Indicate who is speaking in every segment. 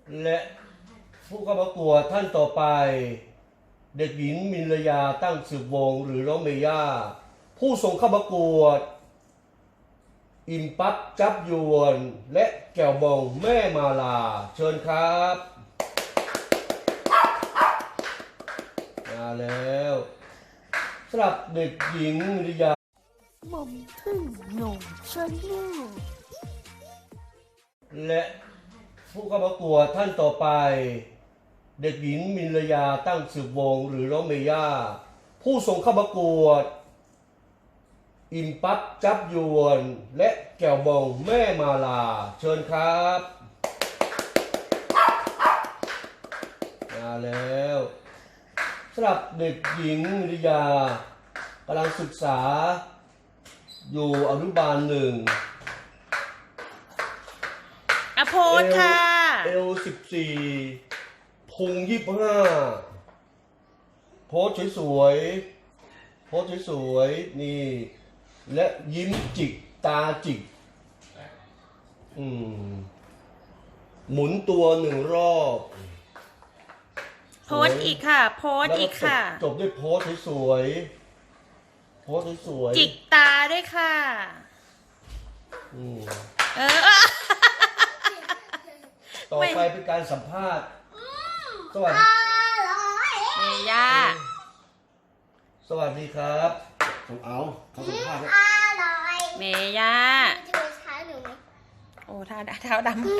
Speaker 1: และผู้เข้าประกวดท่านต่อไปเด็กหญิงมินลยาตั้งสืบวงศ์หรือน้องเมย่าผู้ส่งเข้าประกวดอิ่มปั๊บจับยวนและแก้วบองแม่มาลาเชิญครับมาแล้วสำหรับเด็กหญิงมินลยา
Speaker 2: หม่อมพึ่งหนุ่มชนลูก
Speaker 1: และผู้เข้าประกวดท่านต่อไปเด็กหญิงมินลยาตั้งสืบวงศ์หรือน้องเมย่าผู้ส่งเข้าประกวดอิ่มปั๊บจับยวนและแก้วบองแม่มาลาเชิญครับมาแล้วสำหรับเด็กหญิงมินลยากำลังศึกษาอยู่อนุบาล1
Speaker 2: โพสค่ะ
Speaker 1: 14พุง25โพสสวยๆโพสสวยๆนี่และยิ้มจิกตาจิกหมุนตัว1 รอบ
Speaker 2: โพสอีกค่ะโพสอีกค่ะ
Speaker 1: จบด้วยโพสสวยๆโพสสวยๆ
Speaker 2: จิกตาด้วยค่ะ
Speaker 1: ต่อไปเป็นการสัมภาษณ์สวัสดี
Speaker 2: เมย่า
Speaker 1: สวัสดีครับเขาสัมภาษณ์
Speaker 2: เมย่าโอ้เท้าดำ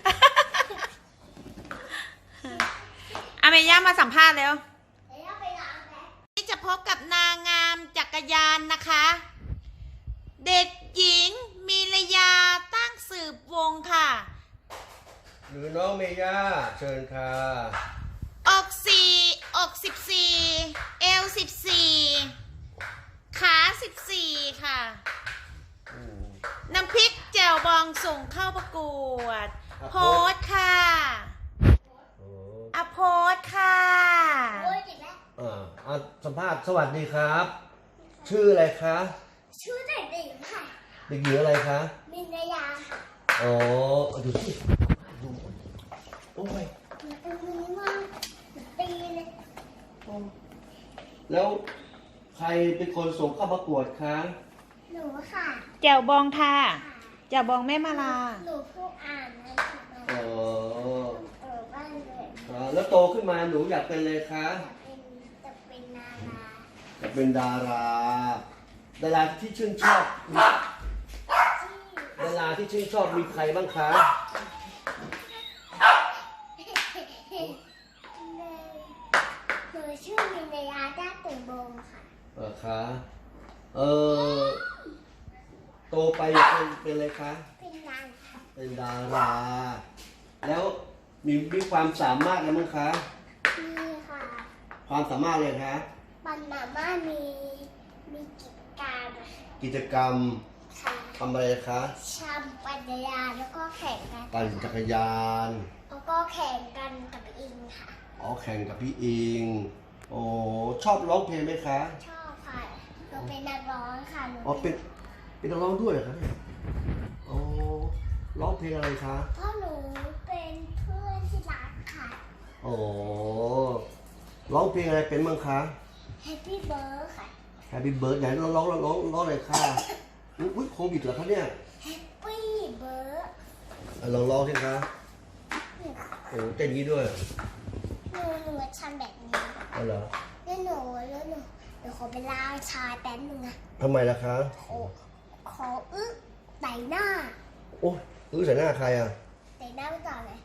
Speaker 2: เมย่ามาสัมภาษณ์แล้วนี่จะพบกับนางงามจักรยานนะคะ เด็กหญิงมิลยาตั้งสืบวงค่ะ
Speaker 1: หรือน้องเมย่าเชิญค่ะ
Speaker 2: อก14เอว14ขา14ค่ะน้ำพริกแจ่วบองส่งเข้าประกวดโพสค่ะโพสค่ะ
Speaker 1: สัมภาษณ์สวัสดีครับชื่ออะไรคะ
Speaker 3: ชื่อเด็กหญิงค่ะ
Speaker 1: เด็กหญิงอะไรคะ
Speaker 3: มินลยาค่ะ
Speaker 1: อ๋อดูสิดูโอ้ย
Speaker 3: มือมากตีเลย
Speaker 1: แล้วใครเป็นคนส่งเข้าประกวดคะ
Speaker 3: หนูค่ะ
Speaker 2: แจ่วบองค่ะแจ่วบองแม่มาลา
Speaker 3: หนูผู้อ่านนะบ้านเลย
Speaker 1: แล้วโตขึ้นมาหนูอยากเป็นอะไรคะ
Speaker 3: จะเป็นดารา
Speaker 1: อยากเป็นดาราที่ชื่นชอบดาราที่ชื่นชอบมีใครบ้างคะ
Speaker 3: หนูชื่อมินลยาด้าตื่นบงค่ะ
Speaker 1: คะโตไปอยากเป็นอะไรคะเป็นดาราแล้วมีความสามารถอะไรบ้างคะ
Speaker 3: มีค่ะ
Speaker 1: ความสามารถอะไรคะ
Speaker 3: ปัญญาม่ามี
Speaker 1: กิจกรรมทำอะไรคะ
Speaker 3: ปั่นจักรยานแล้วก็แข่งกัน
Speaker 1: ปั่นจักรยาน
Speaker 3: แล้วก็แข่งกันกับอิงค่ะ
Speaker 1: แข่งกับพี่อิงโอ้ชอบร้องเพลงไหมคะ
Speaker 3: ชอบค่ะหนูเป็นนักร้องค่ะ
Speaker 1: เป็นนักร้องด้วยเหรอคะร้องเพลงอะไรคะ
Speaker 3: เพราะหนูเป็นเพื่อนที่รักค่ะ
Speaker 1: ร้องเพลงอะไรเป็นบ้างคะ
Speaker 3: Happy Bird ค่ะ
Speaker 1: Happy Bird ไหนร้องเลยค่ะอุ๊ยโควิดเหรอคะเนี่ย
Speaker 3: Happy Bird
Speaker 1: ร้องสิคะโอ้เต้นงี้ด้วย
Speaker 3: หนูทำแบบนี้
Speaker 1: เหรอ
Speaker 3: แล้วหนูเดี๋ยวขอไปล้างชาแป๊บนึงนะ
Speaker 1: ทำไมล่ะคะ
Speaker 3: ขอใส่หน้า
Speaker 1: โอ้ใส่หน้าใครอ่ะ
Speaker 3: ใส่หน้าไปก่อนเลย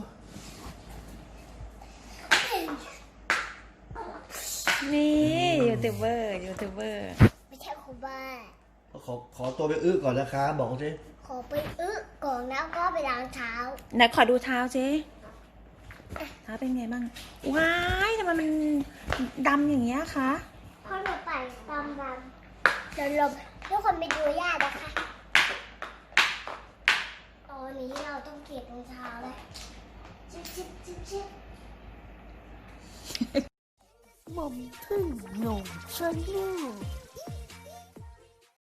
Speaker 2: นี่ยูทูบเบอร์
Speaker 3: ไม่ใช่ครูบ้า
Speaker 1: ขอตัวไปก่อนนะคะบอกเขาสิ
Speaker 3: ขอไปก่อนแล้วก็ไปล้างเท้า
Speaker 2: ไหนขอดูเท้าสิเท้าเป็นไงบ้างว้ายทำไมมันดำอย่างเงี้ยคะ
Speaker 3: เพราะหนูปั่นดำเดี๋ยวลมทุกคนไปดูย่านะคะตอนนี้เราต้องเก็บรองเท้าแล้วจิ๊บ
Speaker 2: หม่อมพึ่งหนุ่มชนลูก